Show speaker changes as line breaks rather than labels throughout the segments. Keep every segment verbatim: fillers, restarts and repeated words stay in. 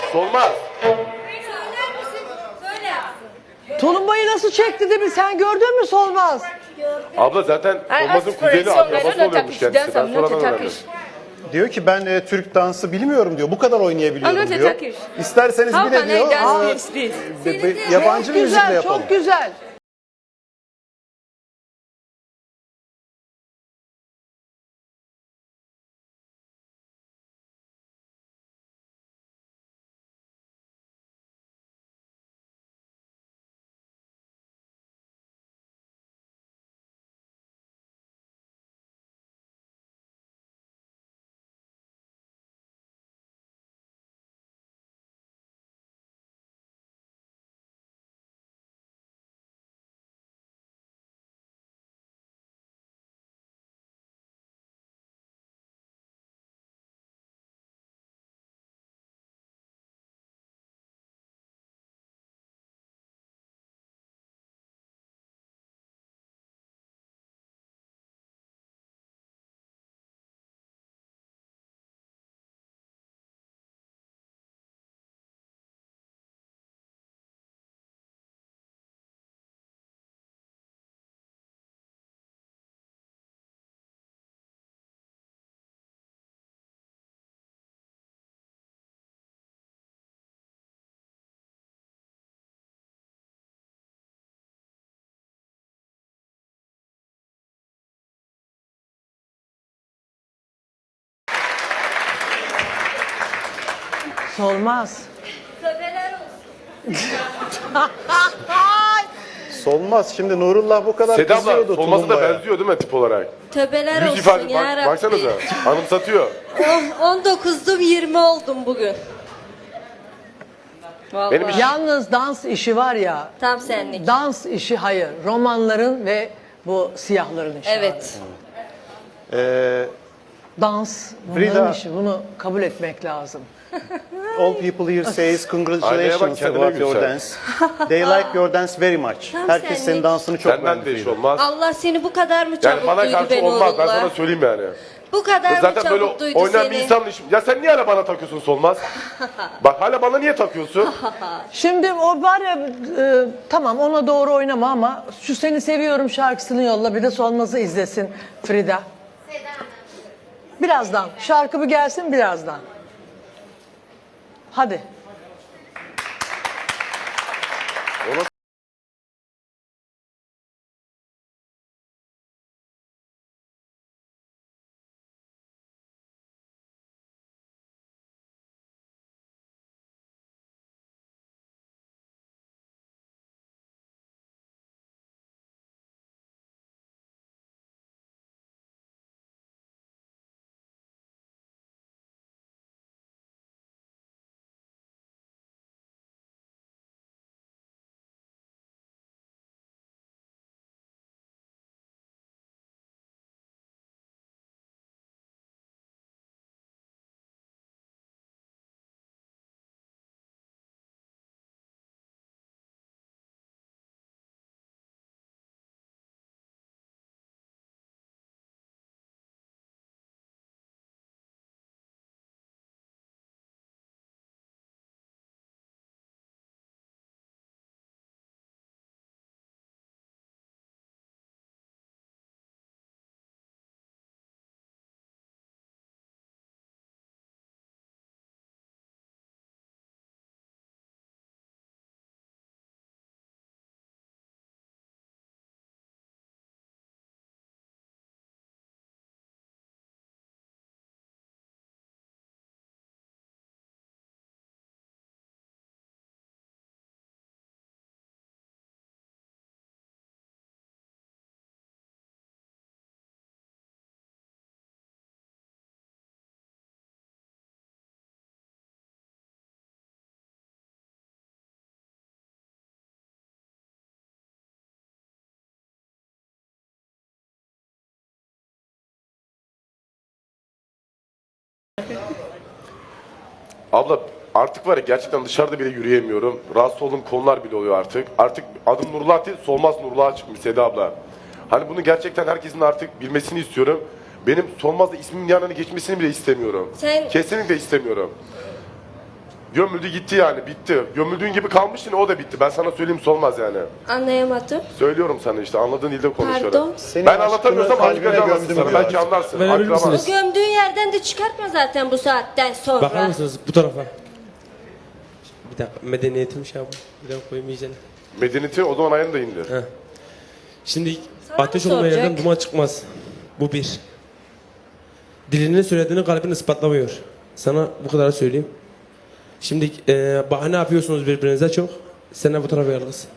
Solmaz.
Söyler misin? Söyle yapsın.
Tulumbayı nasıl çekti değil mi? Sen gördün mü Solmaz?
Abla zaten Solmaz'ın kuzeni akrabası oluyormuş kendisi. Ben sonradan öğrendim.
Diyor ki ben e, Türk dansı bilmiyorum diyor. Bu kadar oynayabiliyorum
Anlatı
diyor.
Turkish.
İsterseniz
How
bir de
can I
diyor.
dance
aa,
this, this?
be- be- yabancı
Çok
bir müzikle
güzel,
yapalım.
çok güzel. Solmaz.
Tövbeler olsun.
Solmaz. Şimdi Nurullah bu kadar
Seda abla
kızıyordu
Solmaz'a da
tulumbaya.
benziyor değil mi tip olarak?
Tövbeler
Yüz
olsun
ifade
ya
bak,
Rabbi.
baksanıza anımsatıyor.
on dokuzdum yirmi oldum bugün. Vallahi.
Benim iş-
Yalnız dans işi var ya.
Tam senlik.
Dans işi hayır. Romanların ve bu siyahların işi.
Evet.
Ee,
Dans bunların
Frida-
işi. Bunu kabul etmek lazım.
all people here says
Aynaya bak,
congratulations
kendine
about your
gülsen.
dance. They like your dance very much.
Tam
Herkes senin
senlik.
dansını çok
Senden
beğendi.
de iş
Frida.
olmaz.
Allah seni bu kadar mı
Yani
çabuk
bana
duydu
karşı
be
olmaz ben
Nurullah?
sana söyleyeyim yani.
Bu kadar mı
Zaten
çabuk
böyle
duydu
oynayan
seni?
bir insanla işim. Ya sen niye hala bana takıyorsun Solmaz? Bak hala bana niye takıyorsun?
Şimdi o var ya e, tamam ona doğru oynama ama şu seni seviyorum şarkısını yolla bir de Solmaz'ı izlesin Frida. Birazdan şarkı bir gelsin birazdan. Hadi.
Abla artık var ya gerçekten dışarıda bile yürüyemiyorum. Rahatsız olduğum konular bile oluyor artık. Artık adım Nurullah değil Solmaz Nurullah'a çıkmış Seda abla. Hani bunu gerçekten herkesin artık bilmesini istiyorum. Benim Solmaz'da ismimin yanına geçmesini bile istemiyorum.
Sen-
Kesinlikle istemiyorum. Gömüldü gitti yani, bitti. Gömüldüğün gibi kalmıştın, o da bitti. Ben sana söyleyeyim, solmaz yani.
Anlayamadım.
Söylüyorum sana işte, anladığın dilde konuşuyorum.
Pardon.
Senin
Ben
aşkını
anlatamıyorsam
kalbine
başka anlatsın
gömdüm
sana,
diyor.
belki anlarsın.
Verebilir
Akraban.
misiniz?
Bu gömdüğün yerden de çıkartma zaten bu saatten sonra.
Bakar mısınız bu tarafa? Bir dakika medeniyetim şey yapın. Bir dakika koyayım iyicene.
Medeniyeti o zaman ayağını da indir.
Heh. Şimdi
Sana mı
ateş olmayan
soracak?
yerden duman çıkmaz. Bu bir. Dilinin söylediğini kalbin ispatlamıyor. Sana bu kadar söyleyeyim. Şimdi e, bahane yapıyorsunuz birbirinize çok. Sen de bu tarafa gel kız.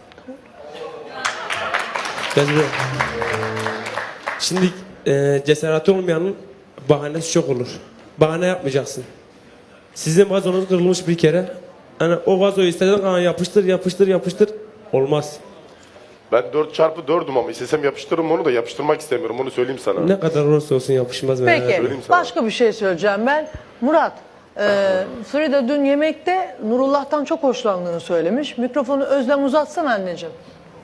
Gel buraya. Şimdi e, cesareti olmayanın bahanesi çok olur. Bahane yapmayacaksın. Sizin vazonuz kırılmış bir kere. Hani o vazoyu istediğin kadar yapıştır yapıştır yapıştır. Olmaz.
Ben dört çarpı dördüm ama istesem yapıştırırım onu da, yapıştırmak istemiyorum, onu söyleyeyim sana.
Ne kadar olursa olsun yapışmaz.
Peki
söyleyeyim sana.
başka bir şey söyleyeceğim ben. Murat, e, Frida dün yemekte Nurullah'tan çok hoşlandığını söylemiş. Mikrofonu Özlem uzatsana anneciğim.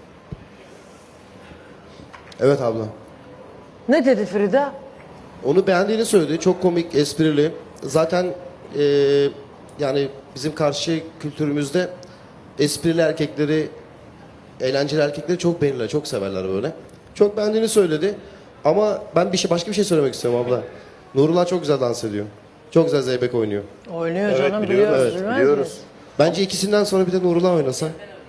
Evet abla.
Ne dedi Frida?
Onu beğendiğini söyledi. Çok komik, esprili. Zaten eee, yani bizim karşı kültürümüzde esprili erkekleri, eğlenceli erkekleri çok beğenirler, çok severler böyle. Çok beğendiğini söyledi. Ama ben bir şey başka bir şey söylemek istiyorum abla. Nurullah çok güzel dans ediyor. Çok güzel zeybek oynuyor.
Oynuyor
Evet,
canım
biliyoruz,
biliyoruz.
evet,
bilmez
biliyoruz.
miyiz?
Bence ikisinden sonra bir de Nurullah oynasa.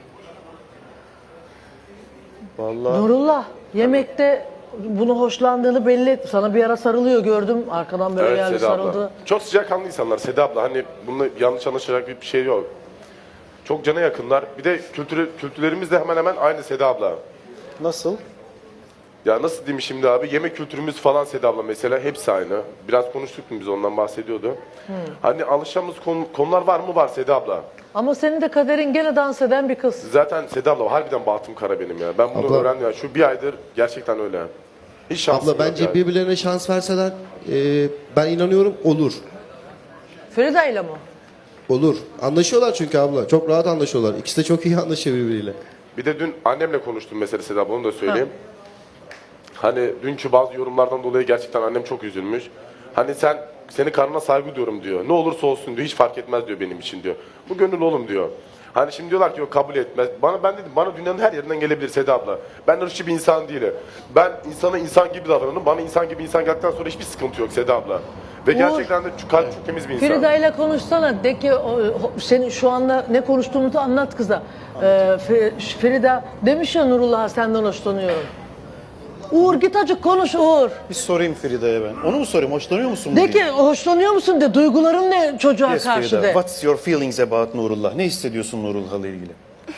Vallahi
Nurullah yemekte bunu hoşlandığını belli etti. Sana bir ara sarılıyor gördüm. Arkadan böyle
Evet
geldi
Seda abla.
sarıldı.
Çok sıcakkanlı insanlar Seda abla. Hani bununla yanlış anlaşılacak bir şey yok. Çok cana yakınlar. Bir de kültürü, kültürlerimiz de hemen hemen aynı Seda abla.
nasıl?
Ya nasıl diyeyim şimdi abi? Yemek kültürümüz falan Seda abla mesela hepsi aynı. Biraz konuştuk mu biz, ondan bahsediyordu. Hani alışacağımız konu- konular var mı? Var Seda abla.
Ama senin de kaderin gene dans eden bir kız.
Zaten Seda abla harbiden bahtım kara benim ya. Ben bunu
Abla-
öğrendim ya. Şu bir aydır gerçekten öyle. Hiç şansım
Abla
yok
bence
yani.
birbirlerine şans verseler eee, ben inanıyorum olur.
Frida ile mi?
Olur. Anlaşıyorlar çünkü abla. Çok rahat anlaşıyorlar. İkisi de çok iyi anlaşıyor birbiriyle.
Bir de dün annemle konuştum mesela Seda abla, onu da söyleyeyim. Hani dünkü bazı yorumlardan dolayı gerçekten annem çok üzülmüş. Hani sen, seni karnına saygı diyorum diyor. Ne olursa olsun diyor, hiç fark etmez diyor benim için diyor. Bu gönül oğlum diyor. Hani şimdi diyorlar ki yok kabul etmez. Bana ben dedim, bana dünyanın her yerinden gelebilir Seda abla. Ben ırkçı bir insan değilim. Ben insana insan gibi davranırım. Bana insan gibi insan geldikten sonra hiçbir sıkıntı yok Seda abla. Ve gerçekten de çok, kalp çok temiz bir insan.
Frida ile konuşsana. De ki o- o- senin şu anda ne konuştuğumuzu anlat kıza. Ee, Fri- Frida demiş ya Nurullah'a senden hoşlanıyorum. Uğur git acık konuş Uğur.
Bir sorayım Frida'ya ben. Onu mu sorayım? Hoşlanıyor musun?
De
bugün?
ki hoşlanıyor musun de. Duyguların ne çocuğa
Yes,
karşı
Frida.
de.
What's your feelings about Nurullah? Ne hissediyorsun Nurullah'la ilgili?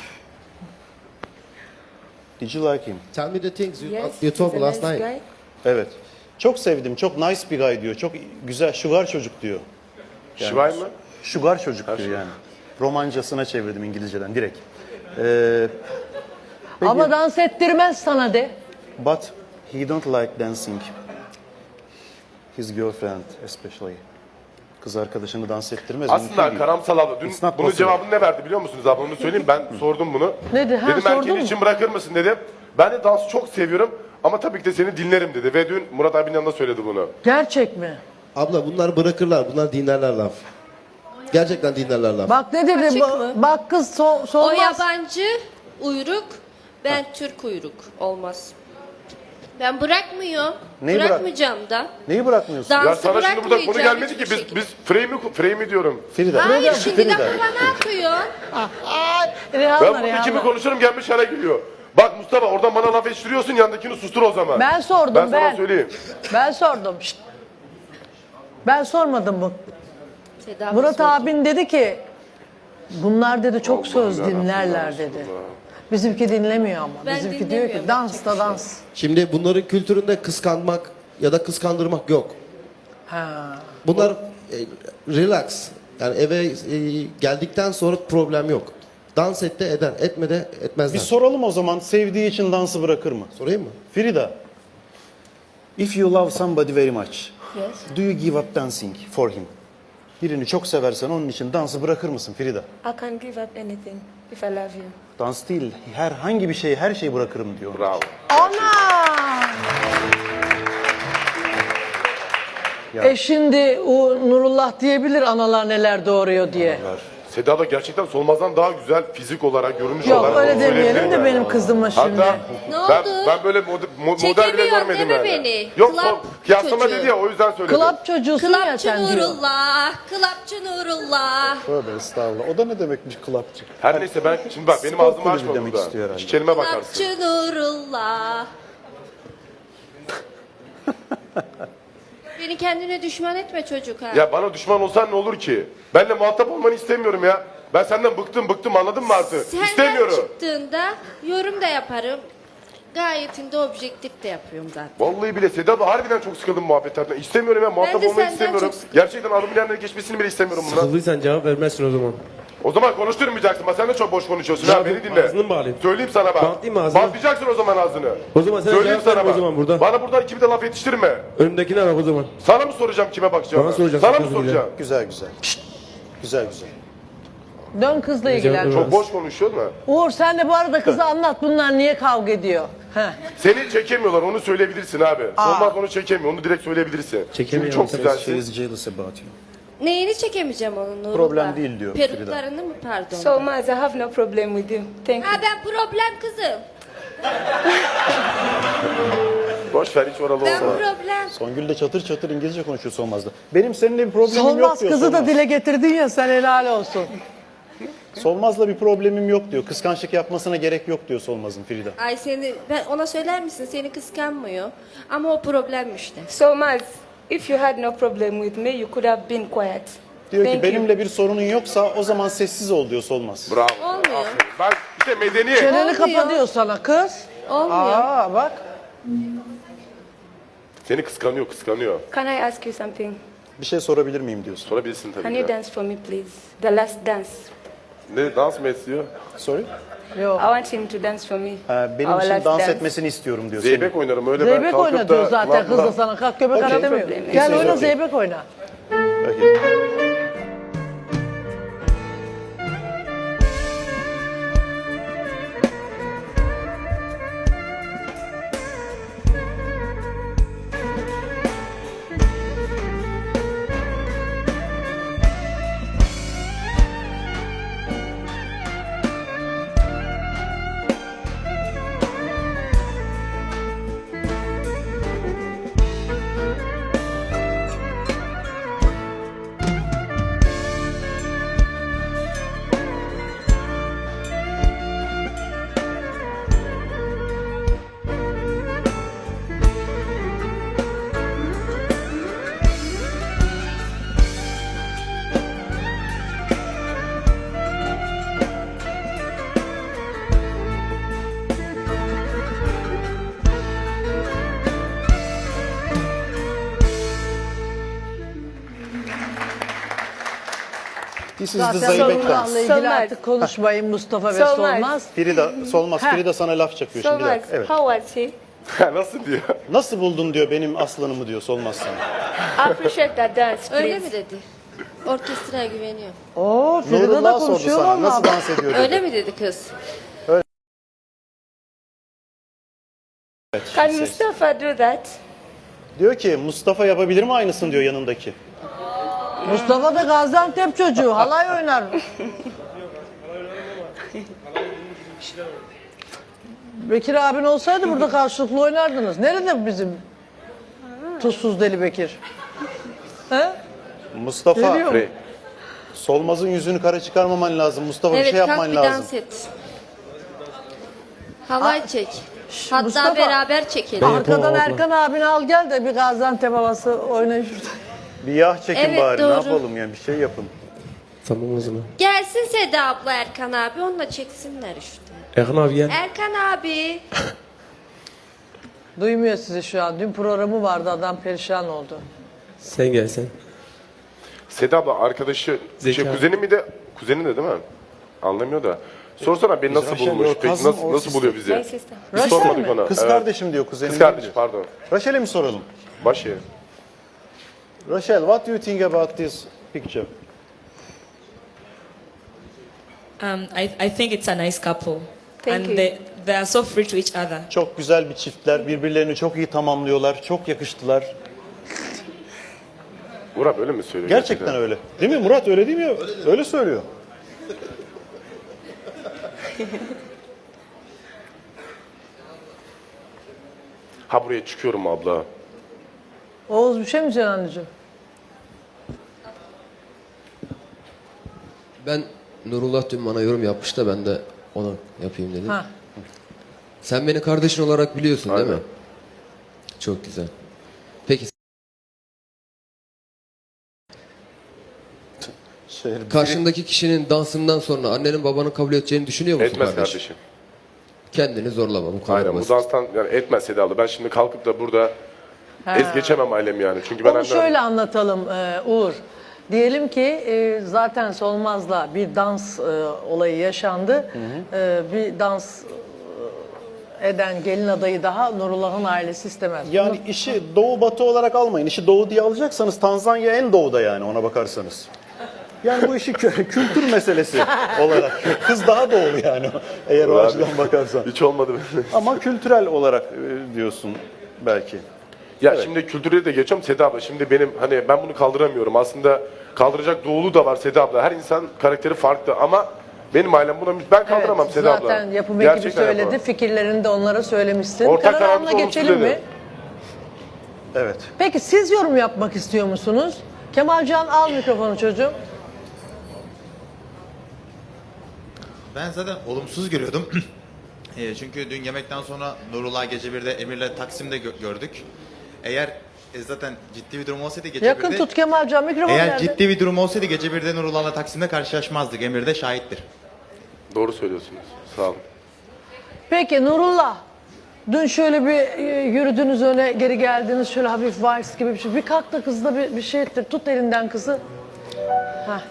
Did you like him?
Tell me the things you,
Yes,
you told me
he's a
last
nice
night.
guy.
Evet. Çok sevdim. Çok nice bir guy diyor. Çok güzel. Sugar çocuk diyor.
Şivay mı?
Sugar çocuk diyor yani. Romancasına çevirdim İngilizceden direkt. Ee,
Ama dans ettirmez sana de.
but he don't like dancing. His girlfriend especially. Kız arkadaşını dans ettirmez. mümkün
Aslında
değil.
Karamsal abla dün
It's not
bunun
possible.
cevabını ne verdi biliyor musunuz abla, onu söyleyeyim, ben sordum bunu.
Ne dedi? Ha,
dedim
sordun
erkeğin
mu?
için bırakır mısın dedim. Ben de dansı çok seviyorum ama tabii ki de seni dinlerim dedi ve dün Murat abinin yanında söyledi bunu.
Gerçek mi?
Abla bunlar bırakırlar. Bunlar dinlerler laf. Gerçekten dinlerler laf.
Bak ne dedi?
Açık
Ba-
mı?
Bak kız so
O
solmaz.
yabancı uyruk, ben Türk uyruk. Olmaz. Ben bırakmıyorum.
Neyi bırak-
Bırakmayacağım da.
Neyi bırakmıyorsun?
Dansı
Ya sana şimdi burada konu
bırakmayacağım
gelmedi ki
hiçbir
biz
şekilde.
biz frame'i frame'i diyorum.
Frida.
Hayır şimdi
Frida.
lafıma ne yapıyorsun?
Rehanla,
Ben burada
Rehanla.
kimi konuşurum gelmiş yere gülüyor. Bak Mustafa oradan bana laf yetiştiriyorsun, yandakini sustur o zaman.
Ben sordum,
Ben sana
ben.
söyleyeyim.
Ben sordum. Şşt. Ben sormadım bu.
Seda
Murat
sordu.
abin dedi ki bunlar dedi çok söz
yarabbim,
dinlerler
ya
dedi.
Resulallah.
Bizimki dinlemiyor ama.
Ben
Bizimki diyor ki
dinlemiyorum,
dans
yapacak
da
bir şey
dans.
Şimdi bunların kültüründe kıskanmak ya da kıskandırmak yok.
Ha.
Bunlar e, relax. Yani eve e, geldikten sonra problem yok. Dans et de eder, etme de etmezler.
Bir soralım o zaman. Sevdiği için dansı bırakır mı?
Sorayım mı?
Frida. If you love somebody very much,
Yes.
do you give up dancing for him? Birini çok seversen onun için dansı bırakır mısın Frida?
I can give up anything if I love you.
Dans değil, herhangi bir şeyi, her şeyi bırakırım diyor.
Bravo.
Ana! E şimdi o Nurullah diyebilir analar neler doğuruyor diye.
Seda da gerçekten Solmaz'dan daha güzel fizik olarak, görünüş
Yok
olarak.
öyle
onu
demeyelim
söyleyebilirim
de
yani.
benim kızıma şimdi.
Hatta
Ne
ben,
oldu?
ben böyle mod, mo- model bile
Çekemiyorsun
görmedim
değil mi
yani.
beni?
Yok
Club
son kıyaslama
çocuğu.
dedi ya o yüzden söyledim.
Klap çocuğusun ya
Klapçı
sen diyor.
Nurullah, klapçı Nurullah.
Tövbe estağfurullah. O da ne demekmiş klapçı?
Her neyse ben şimdi bak benim
Spor
ağzımı
kulübü
açma
demek
burada.
istiyor herhalde.
İki kelime bakarsın.
Klapçı Nurullah. Beni kendine düşman etme çocuk ha.
Ya bana düşman olsan ne olur ki? Benle muhatap olmanı istemiyorum ya. Ben senden bıktım bıktım anladın mı artık?
Senden
İstemiyorum.
çıktığında yorum da yaparım. Gayetinde objektif de yapıyorum zaten.
Vallahi bile Seda abla harbiden çok sıkıldım muhabbetlerden. İstemiyorum ya muhatap
de
olmayı
senden
istemiyorum.
çok sıkıldım.
Gerçekten adımın yanına geçmesini bile istemiyorum bundan.
Sıkıldıysan cevap vermezsin o zaman.
O zaman konuşturmayacaksın. Bak sen de çok boş konuşuyorsun
Ne
ha
yapayım?
beni dinle.
Ağzını mı bağlayayım?
Söyleyeyim sana bak.
Bantlayayım mı ağzını?
Bantlayacaksın o zaman ağzını.
O zaman sen
Söyleyeyim
cevap verme
sana
o
bak.
zaman burada.
Bana buradan kimi de laf yetiştirme.
Önümdekine bak o zaman.
Sana mı soracağım kime bakacağım?
Bana soracaksın,
Sana mı
özür
soracağım?
Güzel güzel. Güzel güzel.
Dön kızla ilgilen.
Cevap-
Çok boş konuşuyorsun da.
Uğur sen de bu arada kıza anlat bunlar niye kavga ediyor. Heh.
Seni çekemiyorlar onu söyleyebilirsin abi. Solmaz onu çekemiyor onu direkt söyleyebilirsin. Çünkü
Çekemiyor
çok
musun?
She
güzelsin.
is jealous about you.
Neyini çekemeyeceğim onun Nurullah?
Problem değil diyor Frida.
Peruklarını mı pardon?
Solmaz, I have no problem with you. Thank you.
Ha ben problem kızım.
Boş ver hiç oralı
Ben
olma.
problem.
Songül de çatır çatır İngilizce konuşuyor Solmaz'da. Benim seninle bir problemim
Solmaz
yok diyor
kızı da
Solmaz.
dile getirdin ya sen helal olsun.
Solmaz'la bir problemim yok diyor. Kıskançlık yapmasına gerek yok diyor Solmaz'ın Frida.
Ay seni ben ona söyler misin seni kıskanmıyor. Ama o problemmiş de.
Solmaz, if you had no problem with me, you could have been quiet.
Diyor ki
Thank you.
benimle bir sorunun yoksa o zaman sessiz ol diyor Solmaz.
Bravo.
Olmuyor.
Aferin. Ben işte medeniyet.
Çeneni
Olmuyor.
kapa diyor sana kız.
Olmuyor.
Aa bak.
Seni kıskanıyor kıskanıyor.
Can I ask you something?
Bir şey sorabilir miyim diyorsun.
Sorabilirsin
Can
tabii
you
ki.
dance for me, please? The last dance.
Ne dans mı istiyor?
Sorry.
Yok.
I want him to dance for me.
Ha, benim
Our
için
last
dans
dance.
etmesini istiyorum diyor. senin.
Zeybek oynarım öyle ben
Zeybek
kalkıp
oynatıyor
da...
zaten kız da sana. Kalk göbek
Okey.
ara demiyor.
Problem.
Gel
Okey.
oyna zeybek oyna.
Okay. This is the
Zaten
Zeybek
Nurullah
dance.
ilgili
Solmaz.
artık konuşmayın Mustafa ve
Solmaz.
Solmaz.
Frida, Solmaz,
Ha.
Frida sana laf çakıyor şimdi. bir
Solmaz,
dakika. Evet.
how was he?
Nasıl diyor?
Nasıl buldun diyor benim aslanımı diyor Solmaz sana.
I appreciate that dance, please.
Öyle mi dedi? Orkestraya güveniyor.
Oo Frida da
Nurullah sordu
konuşuyor
sana nasıl
valla.
dans ediyor dedi.
Öyle mi dedi kız?
Can Mustafa do that?
Diyor ki Mustafa yapabilir mi aynısını diyor yanındaki.
Mustafa da Gaziantep çocuğu. Halay oynar. Bekir abin olsaydı burada karşılıklı oynardınız. Nerede bizim tuzsuz deli Bekir? He?
Mustafa,
Geliyor.
Frey.
Solmaz'ın yüzünü kara çıkarmaman lazım. Mustafa bir
Evet
şey
kalk
yapman
bir
lazım.
dans et. Halay çek. Hatta
Mustafa.
beraber çekelim.
Arkadan
abla.
Erkan abini al gel de bir Gaziantep havası oynayın şurada.
Bir yağ çekin
Evet,
bari
doğru.
ne yapalım yani bir şey yapın.
Tamam o zaman.
Gelsin Seda abla Erkan abi onunla çeksinler işte.
Erkan abi gel.
Erkan abi.
Duymuyor sizi şu an. Dün programı vardı adam perişan oldu.
Sen gel sen.
Seda abla arkadaşı,
Zeka.
şey, kuzeni mi de, kuzeni de değil mi? Anlamıyor da. Sorsana beni nasıl
Rachel,
bulmuş?
your
Peki
cousin
nasıl,
or
nasıl
sister?
buluyor bizi?
My sister.
Biz
Rachel
sormadık
mi?
ona.
Kız
Evet.
kardeşim diyor kuzenim.
Kız
değil
kardeş
diyor.
pardon.
Rachel'e mi soralım?
Başı.
Rachel, what do you think about this picture?
Um, I, I think it's a nice couple.
Thank
and
you.
They, they are so free to each other.
Çok güzel bir çiftler. Birbirlerini çok iyi tamamlıyorlar. Çok yakıştılar.
Murat öyle mi söylüyor?
Gerçekten öyle. Değil mi Murat öyle değil mi? Öyle söylüyor.
Ha buraya çıkıyorum abla.
Oğuz bir şey mi diyeceksin anneciğim?
Ben Nurullah dün bana yorum yapmış da ben de ona yapayım dedim.
Ha.
Sen beni kardeşin olarak biliyorsun değil
Aynen.
mi? Çok güzel. Peki
Şey,
karşındaki kişinin dansından sonra annenin babanın kabul edeceğini düşünüyor musun
Etmez
kardeş?
kardeşim.
Kendini zorlama bu kadar
Aynen bu
basit.
danstan yani etmez Seda abla. Ben şimdi kalkıp da burada ez geçemem ailemi yani. Çünkü ben
Onu
annem-
şöyle anlatalım e, Uğur. Diyelim ki e, zaten Solmaz'la bir dans e, olayı yaşandı. E, bir dans e, eden gelin adayı daha Nurullah'ın ailesi istemez.
Yani işi doğu batı olarak almayın. İşi doğu diye alacaksanız Tanzanya en doğuda yani ona bakarsanız. Yani bu işi kö- kültür meselesi olarak. Kız daha doğulu yani eğer o
Abi.
açıdan bakarsan.
Hiç olmadı.
Ama kültürel olarak e, diyorsun belki.
Ya şimdi kültürleri de geçiyorum Seda abla. Şimdi benim hani ben bunu kaldıramıyorum. Aslında kaldıracak doğulu da var Seda abla. Her insan karakteri farklı ama benim ailem buna ben kaldıramam
Evet,
Seda abla.
zaten yapım ekibi
Gerçekten
söyledi.
yapamam.
Fikirlerini de onlara söylemişsin.
Ortak
Karar
kararımız
anına
olumsuz
geçelim mi?
dedi.
Evet.
Peki siz yorum yapmak istiyor musunuz? Kemalcan al mikrofonu çocuğum.
Ben zaten olumsuz görüyordum. E, çünkü dün yemekten sonra Nurullah gece birde Emir'le Taksim'de gö- gördük. Eğer e, zaten ciddi bir durum olsaydı gece
Yakın
birde...
tut Kemalcan mikrofonu
Eğer
nerede?
ciddi bir durum olsaydı gece birde Nurullah'la Taksim'de karşılaşmazdık. Emir de şahittir.
Doğru söylüyorsunuz. Sağ olun.
Peki Nurullah, dün şöyle bir e, yürüdünüz öne geri geldiniz şöyle hafif vals gibi bir şey. Bir kalk da kızla bir, bir şey ettir. Tut elinden kızı. Heh.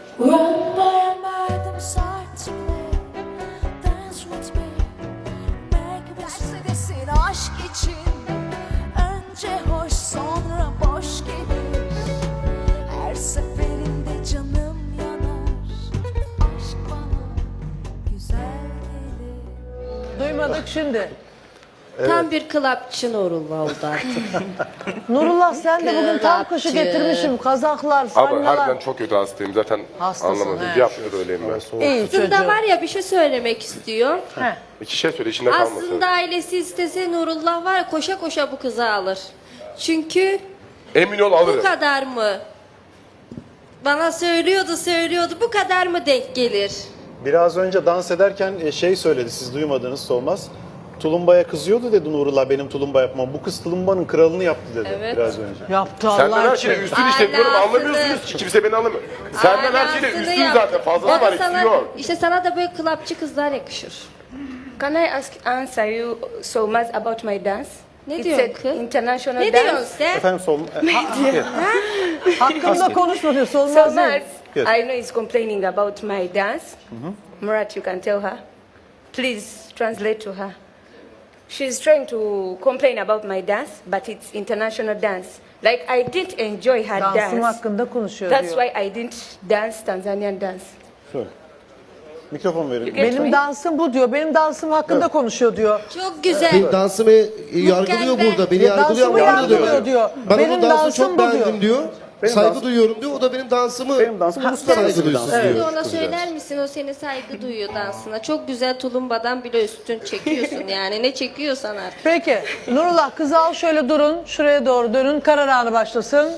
Mercedesin aşk için önce hoş sonra boş gelir. Her seferinde canım yanar. Aşk bana güzel gelir.
Duymadık şimdi.
Tam bir klapçı Nurullah oldu artık.
Nurullah sen de bugün tam kaşı
Kılapçı.
getirmişim. Kazaklar,
Ama
fanyalar.
harbiden çok kötü hastayım. Zaten
Hastasın,
anlamadım.
he.
Bir haftadır öyleyim ben.
İyi çocuğum.
Aslında var ya bir şey söylemek istiyor.
Heh.
İki şey söyle içinde kalmasın.
Aslında ailesi istese Nurullah var ya koşa koşa bu kızı alır. Çünkü
Emin ol
bu
alırım.
kadar mı? Bana söylüyordu söylüyordu bu kadar mı denk gelir?
Biraz önce dans ederken e, şey söyledi siz duymadınız Solmaz. Tulumbaya kızıyordu dedi Nurullah benim tulumba yapmam. Bu kız tulumbanın kralını yaptı dedi
Evet.
biraz önce.
Yaptı
Senden
Allah
her şeyi
için.
üstün işletiyorum
Alasını.
anlamıyorsunuz ki kimse beni anlamıyor. Senden her şeyi
Alasını
üstün
yap.
zaten fazlası
O da
var
sana-
eksiği yok.
İşte sana da böyle klapçı kızlar yakışır.
Can I ask answer you so much about my dance?
Ne
It's
diyorsun
a
kız?
international
Ne
dance.
diyorsun sen?
Efendim Sol... E,
Hakkımda konuşma diyor.
So
Solmaz
much.
değil.
Yes.
I know he's complaining about my dance. Murat, you can tell her. Please translate to her. She's trying to complain about my dance, but it's international dance. Like I didn't enjoy her
Dansım
dance.
hakkında konuşuyor
That's
diyor.
why I didn't dance Tanzanian dance.
Şöyle. Mikrofon verin.
Get
Benim
me?
dansım bu diyor. Benim dansım hakkında konuşuyor diyor.
Çok güzel.
Benim dansımı yargılıyor
Mükemmel.
burada. Beni
Ya
yargılıyor
dansımı
ama bunu
yargılıyor diyor.
Ben
Benim
onun dansını
dansım
çok
bu
beğendim diyor.
Benim
Saygı
dansım-
duyuyorum diyor. O da benim dansımı
Benim dansım uluslararası
saygı
bir dans.
duysun
Evet.
diyor.
Bir ona
Kızcağız.
söyler misin? O seni saygı duyuyor dansına. Çok güzel tulumbadan bile üstün çekiyorsun yani. Ne çekiyorsan artık.
Peki Nurullah kızı al şöyle durun. Şuraya doğru dönün. Karar anı başlasın.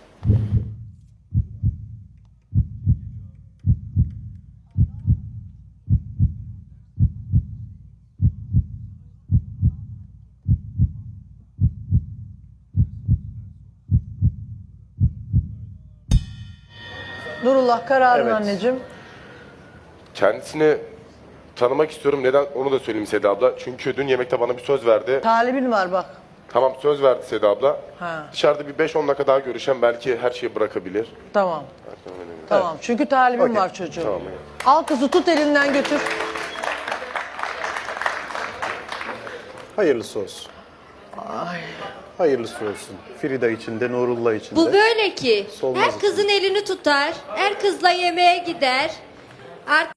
Nurullah kararın
Evet.
anneciğim.
Kendisini tanımak istiyorum. Neden onu da söyleyeyim Seda abla. Çünkü dün yemekte bana bir söz verdi.
Talibin var bak.
Tamam söz verdi Seda abla.
Ha.
Dışarıda bir beş on dakika daha görüşen belki her şeyi bırakabilir.
Tamam. Tamam. Çünkü talibin
Okey.
var çocuğum.
Tamam.
Al kızı tut elinden götür.
Hayırlısı olsun. Hayırlısı olsun. Frida için de Nurullah için de.
Bu böyle ki.
Solmaz
Her kızın elini tutar. Her kızla yemeğe gider. Artık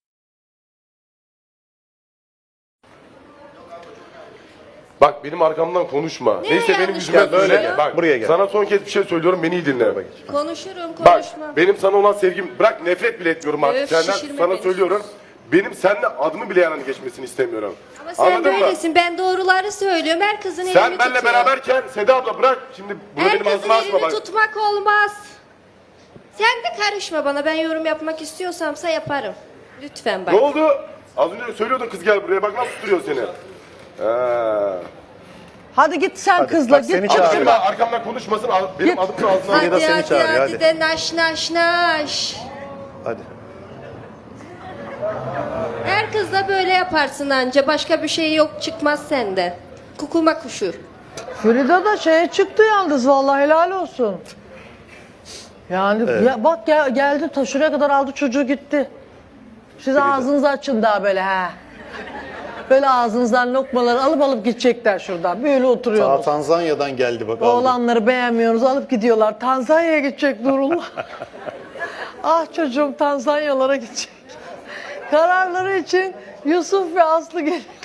Bak benim arkamdan konuşma.
Ne
Neyse benim
yanlış
yüzüme
konuşuyor?
böyle.
Gel,
Bak
buraya gel.
sana son kez bir şey söylüyorum beni iyi dinle.
konuşurum
Bak
konuşmam.
benim sana olan sevgim bırak nefret bile etmiyorum artık
Öf,
senden.
şişirme
Sana
beni.
söylüyorum. benim seninle adımı bile yani geçmesini istemiyorum.
Ama sen
Anladın mı?
böylesin. Ben doğruları istemiyorum. geçmesini istemiyorum. Ama sen
Anladın mı?
böylesin. Ben doğruları söylüyorum. Her kızın elini
Sen
tutuyor.
benimle beraberken Seda abla bırak şimdi bunu
Her
benim
kızın
ağzıma açma
elini
bak.
tutmak olmaz. Sen de karışma bana. Ben yorum yapmak istiyorsamsa yaparım. Lütfen bak.
Ne oldu? Az önce söylüyordun kız gel buraya bak nasıl tutuyor seni. Ee,
Hadi git sen
Hadi,
kızla
bak seni
git.
Ama
çağırıyor.
benim arkamdan konuşmasın al- benim
Git.
adımın ağzına
Hadi
da seni
hadi
çağırıyor,
hadi
hadi.
de naş naş naş.
Hadi.
Her kızla böyle yaparsın anca. Başka bir şey yok çıkmaz sende. Kukuma kuşu.
Frida da şeye çıktı yalnız vallahi helal olsun. Yani ya bak ya, geldi ta şuraya kadar aldı çocuğu gitti. Siz ağzınızı açın daha böyle ha. Böyle ağzınızdan lokmaları alıp alıp gidecekler şuradan. Böyle
Ta
oturuyorsunuz.
Tanzanya'dan geldi bak. aldı.
Oğlanları beğenmiyorsunuz alıp gidiyorlar. Tanzanya'ya gidecek Nurullah. Ah çocuğum Tanzanyalara gidecek. Kararları için Yusuf ve Aslı geliyor.